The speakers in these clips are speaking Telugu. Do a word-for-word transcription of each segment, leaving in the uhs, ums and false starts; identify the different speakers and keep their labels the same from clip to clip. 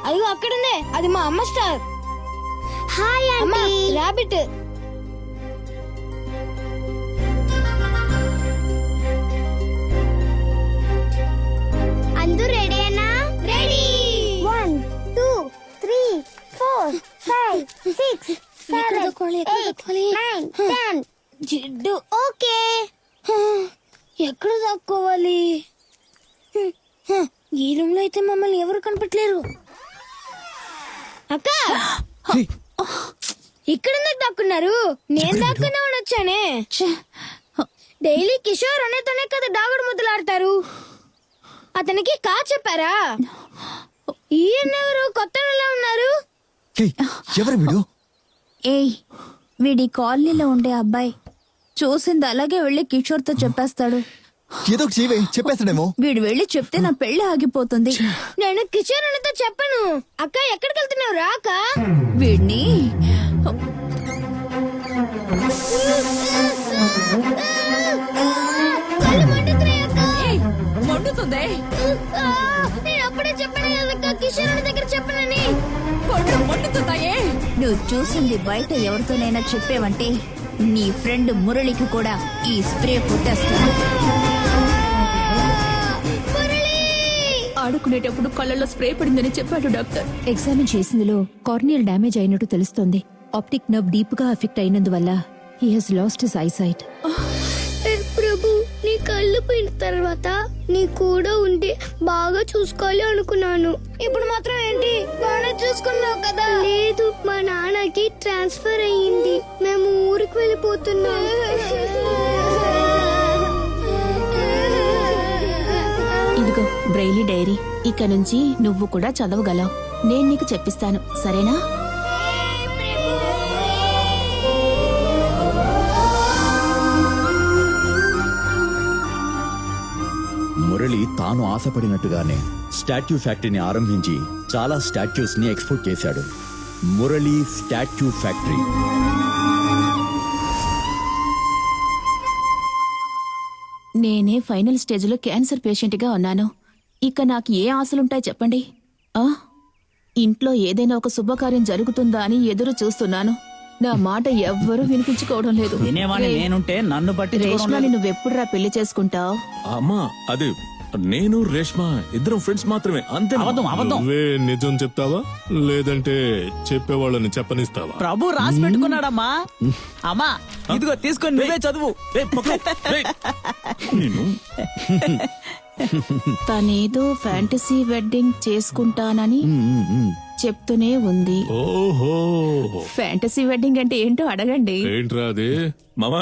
Speaker 1: అయ్యో అక్కడుందే, అది మా అమ్మ స్టార్.
Speaker 2: హాయ్
Speaker 1: అమ్మా
Speaker 2: ఆంటీ.
Speaker 1: రాబిట్.
Speaker 2: అందరూ రెడీనా? Ready. One two three four five six seven eight nine ten.
Speaker 1: జిడ్డు.
Speaker 2: ఓకే.
Speaker 1: ఎక్కడ దాక్కోవాలి? ఈ రూమ్ లో అయితే మమ్మల్ని ఎవరు కనిపెట్టలేరు. అక్క ఇక్కడ దాక్కున్నారు. నేను దాక్కున్నా వచ్చానే. డైలీ కిషోర్ అనేతోనే కదా దాగుడు ముద్దులాడతారు. అతనికి కా చెప్పారా? ఈయనెవరు కొత్త ఉన్నారు?
Speaker 3: ఎవరు వీడు?
Speaker 4: ఏయ్, వీడి కాలనీలో ఉండే అబ్బాయి. చూసింది అలాగే వెళ్లి కిషోర్ తో చెప్పేస్తాడు.
Speaker 3: ఏదో చేయవే, చెప్పేస్తాడేమో.
Speaker 4: వీడు వెళ్లి చెప్తే నా పెళ్లి ఆగిపోతుంది.
Speaker 1: నేను కిషోర్ అనితో చెప్పను. అక్క ఎక్కడికి వెళ్తున్నావు? రాక
Speaker 4: వీడిని మండుతుంది.
Speaker 1: నేను అప్పుడే చెప్పాను కదా కిషోర్ అని దగ్గర చెప్పనని.
Speaker 4: మండుతున్నాయే. నువ్వు చూసింది బయట ఎవరితోనైనా చెప్పేవంటే నీ ఫ్రెండ్ మురళికి కూడా ఈ స్ప్రే పుట్టేస్తాను.
Speaker 5: ఆడుకునేటప్పుడు కళ్ళల్లో స్ప్రే పడిందని చెప్పాడు డాక్టర్.
Speaker 6: ఎగ్జామిన్ చేసిందిలో కార్నియల్ డ్యామేజ్ అయినట్టు తెలుస్తోంది. ఆప్టిక్ నర్వ్ డీప్ గా ఎఫెక్ట్ అయినందువల్ల he has lost his eyesight.
Speaker 2: Prabhu, నీ కళ్ళు పోయిన తర్వాత నీ కూడా ఉండి బాగా చూసుకోవాలి అనుకున్నాను.
Speaker 1: ఇప్పుడు మాత్రం ఏంటి? బాగా చూసుకున్నావు కదా.
Speaker 2: లేదు, మా నాన్నకి ట్రాన్స్ఫర్ అయ్యింది. మేము ఊరికి వెళ్ళిపోతున్నాం.
Speaker 6: ఇదిగో బ్రెయిలీ డైరీ. ఇక నుంచి నువ్వు కూడా చదవగలవు. నేను నీకు చెప్పిస్తాను, సరేనా?
Speaker 3: మురళి తాను ఆశపడినట్టుగానే స్టాట్యూ ఫ్యాక్టరీని ఆరంభించి చాలా స్టాట్యూస్ ని ఎక్స్పోర్ట్ చేశాడు. Murali statue factory.
Speaker 6: నేనే ఫైనల్ స్టేజ్ లో క్యాన్సర్ పేషెంట్ గా ఉన్నాను. ఇక నాకు ఏ ఆశలుంటాయి చెప్పండి? ఆ ఇంట్లో ఏదైనా ఒక శుభకార్యం జరుగుతుందా అని ఎదురు చూస్తున్నాను. నా మాట ఎవ్వరూ వినిపించుకోవడం లేదు.
Speaker 7: నేనుంటే నన్ను బట్టి
Speaker 6: రేష్మాని నువ్వెప్పుడురా పెళ్లి చేసుకుంటావు?
Speaker 8: అమ్మా, అది నేను రేష్మ ఇద్దరం ఫ్రెండ్స్ మాత్రమే, అంతే.
Speaker 7: అబద్ధం అబద్ధం.
Speaker 9: నువ్వే నిజం చెప్తావా లేదంటే చెప్పేవాళ్ళని చెప్పనిస్తావా?
Speaker 7: ప్రభు రాసి పెట్టుకున్నాడమ్మా. అమ్మా ఇదిగో తీసుకొని నువ్వే చదువు.
Speaker 6: తనేదో ఫ్యాంటసీ వెడ్డింగ్ చేసుకుంటానని చెప్తూనే ఉంది.
Speaker 9: ఓహో,
Speaker 6: ఫ్యాంటసీ వెడ్డింగ్ అంటే ఏంటో అడగండి.
Speaker 9: ఏంట్రా అది?
Speaker 8: మామా,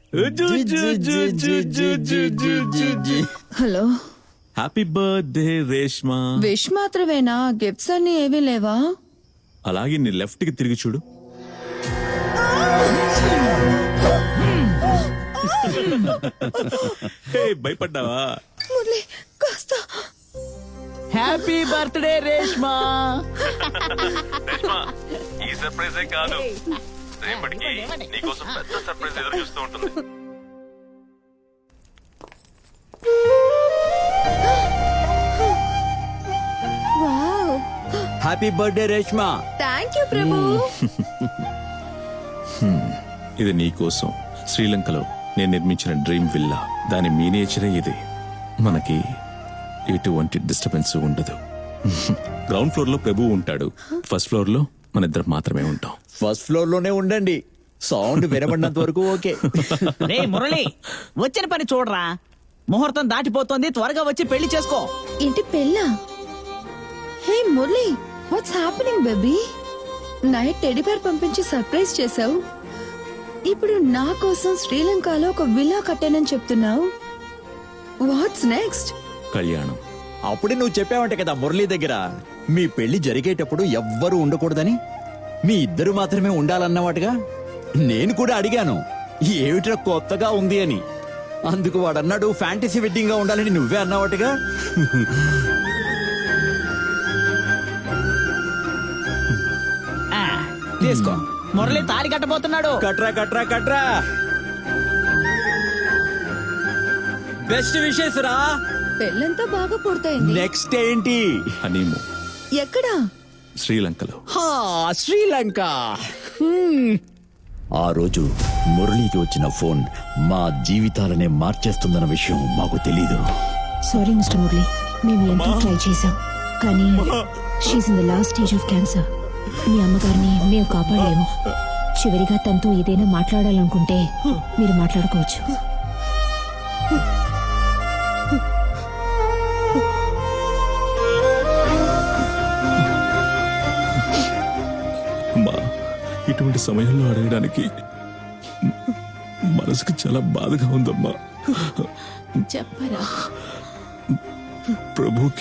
Speaker 4: hello,
Speaker 8: happy birthday Reshma.
Speaker 4: Wish మాత్రమేనా? గిఫ్ట్స్ అన్ని ఏవీ లేవా?
Speaker 8: అలాగే నీ లెఫ్ట్ కి తిరిగి చూడు. హే, భయపడ్డావా?
Speaker 7: Happy birthday Reshma.
Speaker 8: ఈ సర్ప్రైజే కాదు, రేపటికి నీకోసం పెద్ద సర్ప్రైజ్ ఎదురు చూస్తూ ఉంటుంది.
Speaker 3: Happy birthday Reshma.
Speaker 4: Thank you Prabhu.
Speaker 8: ఇది నీకోసం శ్రీలంకలో నేను నిర్మించిన డ్రీమ్ విల్లా. దాని మీనేచరే ఇది. మనకి ఎటువంటి డిస్టర్బెన్స్ ఉండదు. గ్రౌండ్ ఫ్లోర్ లో ప్రభు ఉంటాడు, ఫస్ట్ ఫ్లోర్ లో మన ఇద్దరు మాత్రమే ఉంటాం.
Speaker 3: ఫస్ట్ ఫ్లోర్ లోనే ఉండండి, సౌండ్ వినబడినంత వరకు ఓకే.
Speaker 7: రే మురళి, వచ్చిన పని చూడరా. ముహూర్తం దాటిపోతుంది, త్వరగా వచ్చి పెళ్లి చేసుకో.
Speaker 4: ఏంటి పెళ్ళా? Hey Murali, what's happening baby? Night teddy bear పంపించి సర్ప్రైజ్ చేసావు. ఇప్పుడు నా కోసం శ్రీలంకలో ఒక విల్లా కట్టానని చెప్తున్నావు. What's next?
Speaker 8: కళ్యాణం.
Speaker 3: అప్పుడే నువ్వు చెప్పావంటే కదా మురళి దగ్గర, మీ పెళ్లి జరిగేటప్పుడు ఎవ్వరూ ఉండకూడదని, మీ ఇద్దరు మాత్రమే ఉండాలన్నవాటుగా. నేను కూడా అడిగాను ఏమిట్రా కొత్తగా ఉంది అని. అందుకు వాడన్నాడు ఫ్యాంటసీ వెడ్డింగ్ గా ఉండాలని నువ్వే అన్నవాటుగా.
Speaker 7: తీసుకో, మురళి తాళి కట్టబోతున్నాడు.
Speaker 3: కట్రా కట్రా కట్రా. బెస్ట్ విషెస్ రా.
Speaker 4: పెళ్ళంతా బాగా పూర్తయింది.
Speaker 3: నెక్స్ట్ ఏంటి?
Speaker 8: హనీమూన్.
Speaker 4: ఎక్కడా?
Speaker 8: శ్రీలంకలో.
Speaker 3: హా, శ్రీలంక. హ్మ్. ఆ రోజు మురళికి వచ్చిన ఫోన్ మా జీవితాలనే మార్చేస్తుందన్న విషయం మాకు తెలీదు.
Speaker 1: సారీ మిస్టర్ మురళి, మేము ఎంతో ట్రై చేశాం కానీ she's in the last stage of cancer. మీ అమ్మగారిని మేము కాపాడలేము. చివరిగా తనతో ఏదైనా మాట్లాడాలనుకుంటే మీరు మాట్లాడుకోవచ్చు.
Speaker 8: అమ్మా, ఇటువంటి సమయంలో అడగడానికి మనసుకు చాలా బాధగా ఉందమ్మా.
Speaker 6: చెప్పరా.
Speaker 8: ప్రభుకి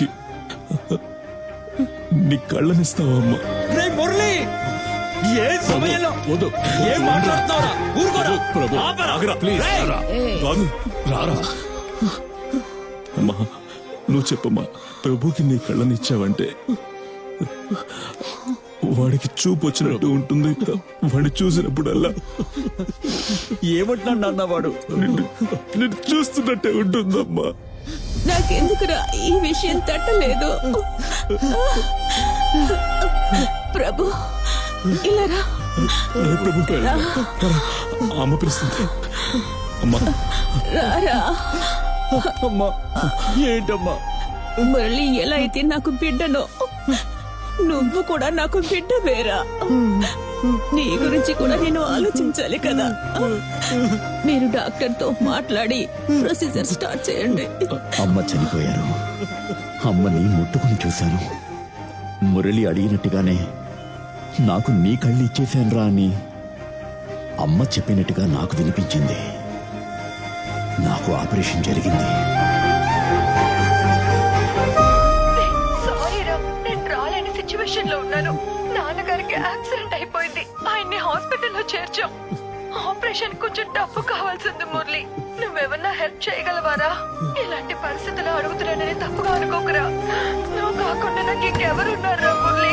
Speaker 8: నీ కళ్ళనిస్తావమ్మా.
Speaker 3: రే మురళి, ఏ సమయంలో
Speaker 8: వద్దు.
Speaker 3: ఏం మాట్లాడుతున్నావురా? ఊరుకోరా.
Speaker 8: ప్రభు,
Speaker 3: ఆపరా.
Speaker 8: ఆగరా, ప్లీజ్,
Speaker 3: రేయ్.
Speaker 8: రారా. కాదు, రారా. అమ్మా, నువ్వు చెప్పమ్మా, ప్రభుకి నీ కళ్ళనిచ్చావంటే వాడికి చూపు వచ్చినట్టు ఉంటుంది. వాడిని చూసినప్పుడల్లా
Speaker 3: ఏమంటున్నాడు అన్నవాడు?
Speaker 8: నిన్ను నిన్ను చూస్తున్నట్టే ఉంటుందమ్మా.
Speaker 5: నాకెందుకురా ఈ విషయం తట్టలేదు. ప్రభు ఇలా రా.
Speaker 8: రే ప్రభు, రా. అమ్మ పిలుస్తుంది. అమ్మా,
Speaker 5: రారా.
Speaker 3: అమ్మా, ఏంటమ్మా?
Speaker 5: మురళి ఎలా అయితే నాకు బిడ్డనో నువ్వు కూడా నాకు బిడ్డ వేరా. నీ గురించి కూడా నేను ఆలోచించాలి కదా. మీరు డాక్టర్ తో మాట్లాడి ప్రొసీజర్ స్టార్ట్ చేయండి.
Speaker 3: అమ్మ చనిపోయారు. అమ్మని ముట్టుకుని చూశాను. మురళి అడిగినట్టుగానే నాకు నీ కళ్ళు ఇచ్చేశానురా అని అమ్మ చెప్పినట్టుగా నాకు వినిపించింది. నాకు ఆపరేషన్ జరిగింది.
Speaker 4: సారీ రా, నేను రాలేని సిచ్యువేషన్ లో ఉన్నాను. నాన్నగారికి యాక్సిడెంట్ అయిపోయింది. ఆయన్ని హాస్పిటల్లో చేర్చాం. ఆపరేషన్ కొంచెం డబ్బు కావాల్సింది మురళి. నువ్వెవన్నా హెల్ప్ చేయగలవారా? ఇలాంటి పరిస్థితుల్లో అడుగుతున్నానని తప్పుగా అనుకోకురా. నువ్వు కాకుండా నాకు ఇంకెవరున్నారా మురళి?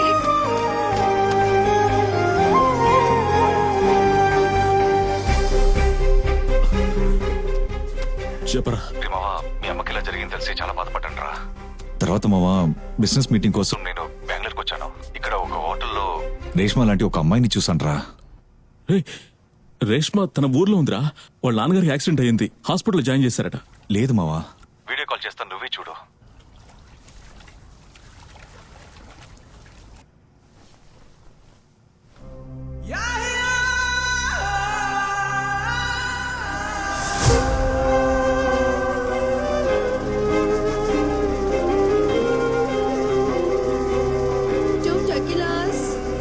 Speaker 8: చెప్పరా.
Speaker 10: మీ అమ్మకి ఇలా జరిగింది తెలిసి చాలా బాధపడ్డాను రా.
Speaker 11: తర్వాత మావా బిజినెస్ మీటింగ్ కోసం నేను
Speaker 10: బెంగళూరుకి వచ్చాను. ఇక్కడ ఒక హోటల్లో
Speaker 11: రేష్మా లాంటి ఒక అమ్మాయిని చూసాను రా.
Speaker 8: రే, రేష్మ తన ఊర్లో ఉందిరా. వాళ్ళ నాన్నగారికి యాక్సిడెంట్ అయ్యింది. హాస్పిటల్లో జాయిన్ చేశారట.
Speaker 11: లేదు మావా,
Speaker 10: వీడియో కాల్ చేస్తాను, నువ్వే చూడు.
Speaker 4: Two tequilas.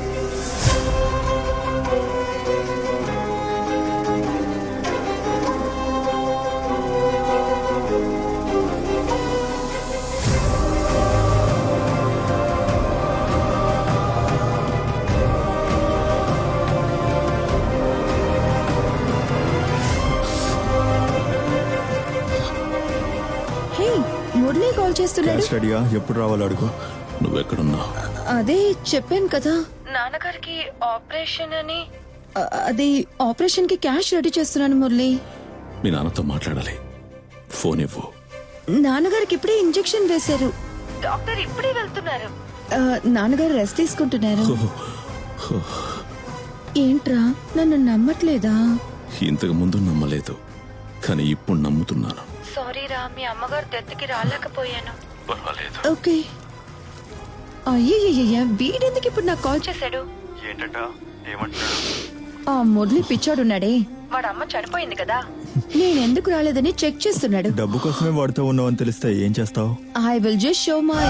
Speaker 4: Hey, Murali call చేస్తున్నాడు.
Speaker 11: స్టడీగా ఎప్పుడు రావాలో అడుగు.
Speaker 8: నువ్వెక్కడున్నావు?
Speaker 4: అదే చెప్పాను కదా, నాన్నగారికి ఆపరేషన్ అని. అ- అది ఆపరేషన్ కి క్యాష్ రెడీ చేస్తున్నాను మురళి.
Speaker 8: మీ నాన్నతో మాట్లాడాలి. ఫోన్ ఇవ్వు.
Speaker 4: నాన్నగారికి ఇప్పుడే ఇంజెక్షన్ వేశారు. డాక్టర్ ఇప్పుడే వెళ్తున్నారు. నాన్నగారు రెస్ట్ తీసుకుంటున్నారు. ఏంట్రా, నన్ను నమ్మట్లేదా?
Speaker 8: ఇంతకు ముందు నమ్మలేదు, కానీ ఇప్పుడు నమ్ముతున్నాను.
Speaker 4: సారీ రా, మీ అమ్మగారు దెత్తకి రాలేకపోయాను.
Speaker 8: పర్వాలేదు.
Speaker 4: ఓకే. అయ్యయ్యయ్య, వీడెందుకు ఇప్పుడు నాకు కాల్ చేశాడు?
Speaker 10: ఏంటంట? ఏమంటున్నాడు?
Speaker 4: ఆ మురళి పిచ్చాడున్నాడే, వాడు అమ్మ చనిపోయింది కదా, నేనెందుకు రాలేదని చెక్ చేస్తున్నాడు.
Speaker 11: డబ్బు కోసమే వాడుతూ ఉన్నావని తెలిస్తే ఏం చేస్తావు?
Speaker 4: I will just show my.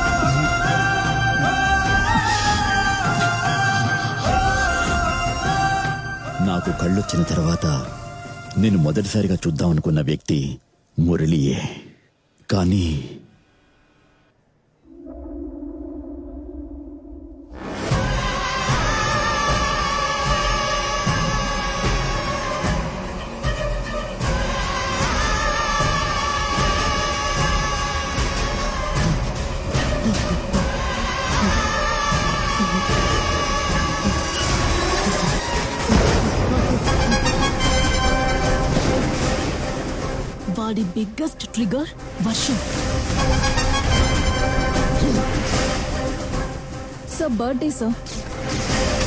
Speaker 3: నాకు కళ్ళొచ్చిన తర్వాత నేను మొదటిసారిగా చూద్దామనుకున్న వ్యక్తి మురళియే. కానీ
Speaker 6: వాడి బిగ్గెస్ట్ ట్రిగర్ వర్షం. Sir birthday sir